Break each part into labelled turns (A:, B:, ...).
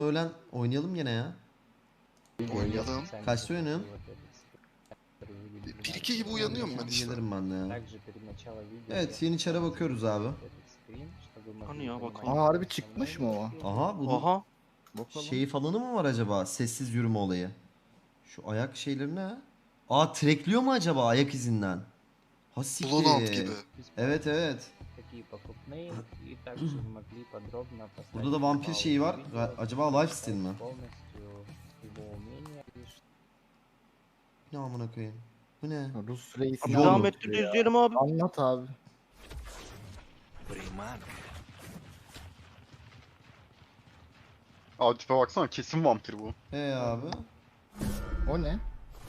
A: öğlen oynayalım gene ya.
B: Oynayalım.
A: Kaçta oynuyorsun?
B: 1-2 gibi uyanıyorum ben işte.
A: Gelirim ben de ya. Evet, yeni çara bakıyoruz abi.
C: Hani ya bakalım.
D: Aa harbi çıkmış mı o?
A: Aha bunun
C: Aha.
D: Bakalım.
A: şeyi falanı mı var acaba? Sessiz yürüme olayı. Şu ayak şeyleri ne? Aa, trackliyor mu acaba ayak izinden? Ha
B: Bloodhound
A: siktir.
B: gibi.
A: Evet evet. Burada da vampir şeyi var. Acaba lifesteal mi? Ne amına koyayım? Bu ne?
D: Rus reisi
C: Abi
A: Yol.
C: devam ettir izleyelim abi.
D: Anlat abi.
E: Abi tipe baksana, kesin vampir bu.
A: Abi.
D: O ne?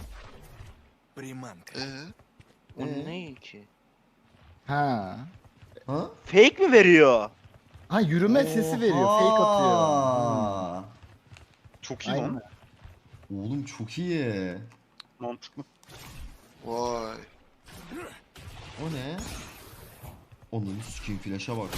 C: O
A: Ee?
C: ne ki?
D: Ha.
A: Ha?
C: Fake mi veriyor?
D: Ha yürüme sesi veriyor. Fake atıyor.
A: Oha!
E: Çok iyi
D: Aynen.
E: lan.
A: Oğlum çok iyi.
E: Mantıklı.
B: Vay.
A: O ne? Onun skin flash'a bak.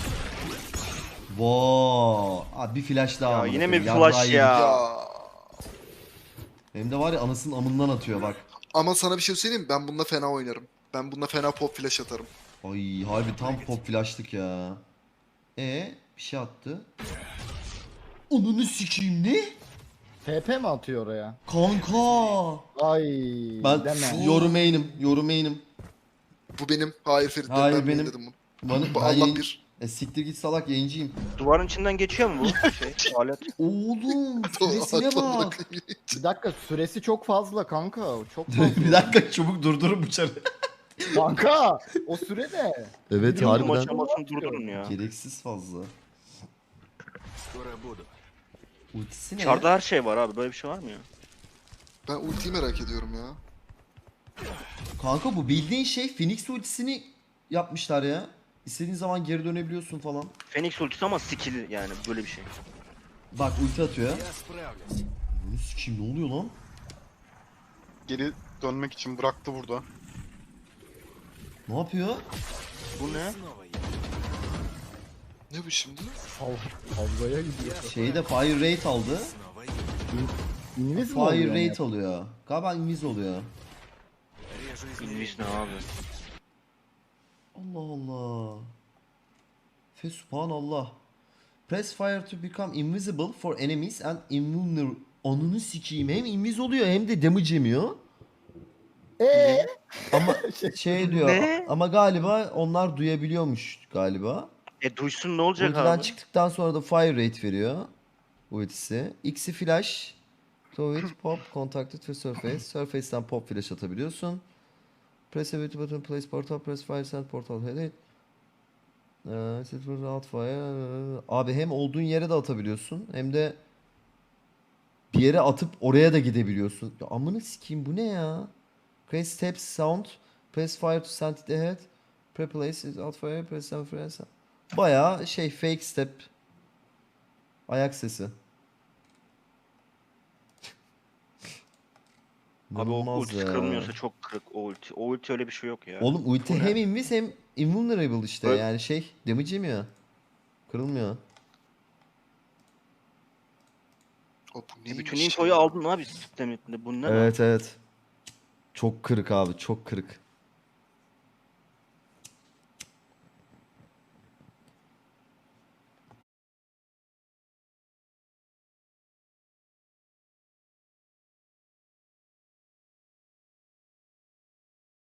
A: Vaa! Abi bir flash daha.
C: Ya
A: amına
C: yine mi
A: koyayım.
C: bir flash
A: Yarrağı
C: ya?
A: yedik.
B: Ya.
A: Hem de var ya anasının amından atıyor bak.
B: Ama sana bir şey söyleyeyim mi? Ben bununla fena oynarım. Ben bununla fena pop flash atarım.
A: Ay harbi tam pop flash'lık ya. Bir şey attı. Onunu sikeyim ne?
D: TP mi atıyor oraya?
A: Kanka.
D: Ay
A: Ben
D: deme.
A: yorumeynim.
B: Bu benim. Hayır Ferit.
A: Hayır,
B: ben
A: benim.
B: dedim bunu.
A: Bana,
B: Bu
A: ben
B: Allah
A: yayın-
B: bir.
A: Siktir git salak yayıncıyım.
C: Duvarın içinden geçiyor mu bu şey alet?
A: Oğlum süresine bak.
D: Bir dakika süresi çok fazla kanka. Çok fazla.
A: Bir dakika çabuk durdurun bıçağı.
D: Kanka o süre ne?
A: Evet
D: Harbiden.
C: Tüm aşamasını durdurun ya.
A: Gereksiz fazla. Ultisi ne?
C: Çarda her şey var abi, böyle bir şey var mı ya?
B: Ben ultiyi merak ediyorum ya.
A: Kanka bu bildiğin şey Phoenix ultisini yapmışlar ya. İstediğin zaman geri dönebiliyorsun falan.
C: Phoenix ultisi ama skill yani böyle bir şey.
A: Bak ulti atıyor. Bunu sikeyim, ne oluyor lan?
E: Geri dönmek için bıraktı burada.
A: Ne yapıyor?
C: Bu ne?
B: Ne bu şimdi?
D: Havzaya gidiyor.
A: Şeyde fire rate aldı.
D: İngiliz mi
A: Fire
D: oluyor
A: rate alıyor. Galiba invis oluyor.
C: İngiliz ne abi?
A: Allah Allah. Subhanallah. Press fire to become invisible for enemies and invulnerable. Onunu sikeyim. Hem invis oluyor hem de damage yemiyor. Ama şey diyor.
C: Ne?
A: Ama galiba onlar duyabiliyormuş galiba.
C: Duysun ne olacak
A: Ultiden
C: abi?
A: çıktıktan sonra da fire rate veriyor. Ultisi. X'i flash. Throw it, pop, contacted to surface. Surface'den pop flash atabiliyorsun. Press a button, place portal, press fire, send portal, head it. Set for out fire. Abi hem olduğun yere de atabiliyorsun hem de bir yere atıp oraya da gidebiliyorsun. Ya amına sikeyim, bu ne ya? Create steps sound. Press fire to send it ahead. Pre-place it out fire. Press send fire. Bayağı şey, fake step. Ayak sesi.
C: Abi o
A: İnanılmaz
C: ultisi
A: ya.
C: kırılmıyorsa çok kırık o ulti. O ulti öyle bir şey yok ya.
A: Oğlum ulti
C: Bu ne?
A: hem invis hem invulnerable işte.
E: Evet.
A: Yani şey, damage yemiyor. Kırılmıyor.
B: O bu neymiş
C: Bütün
B: ya?
C: infoyu aldın abi sisteminde. Bu ne lan?
A: Evet evet. Çok kırık abi, çok kırık.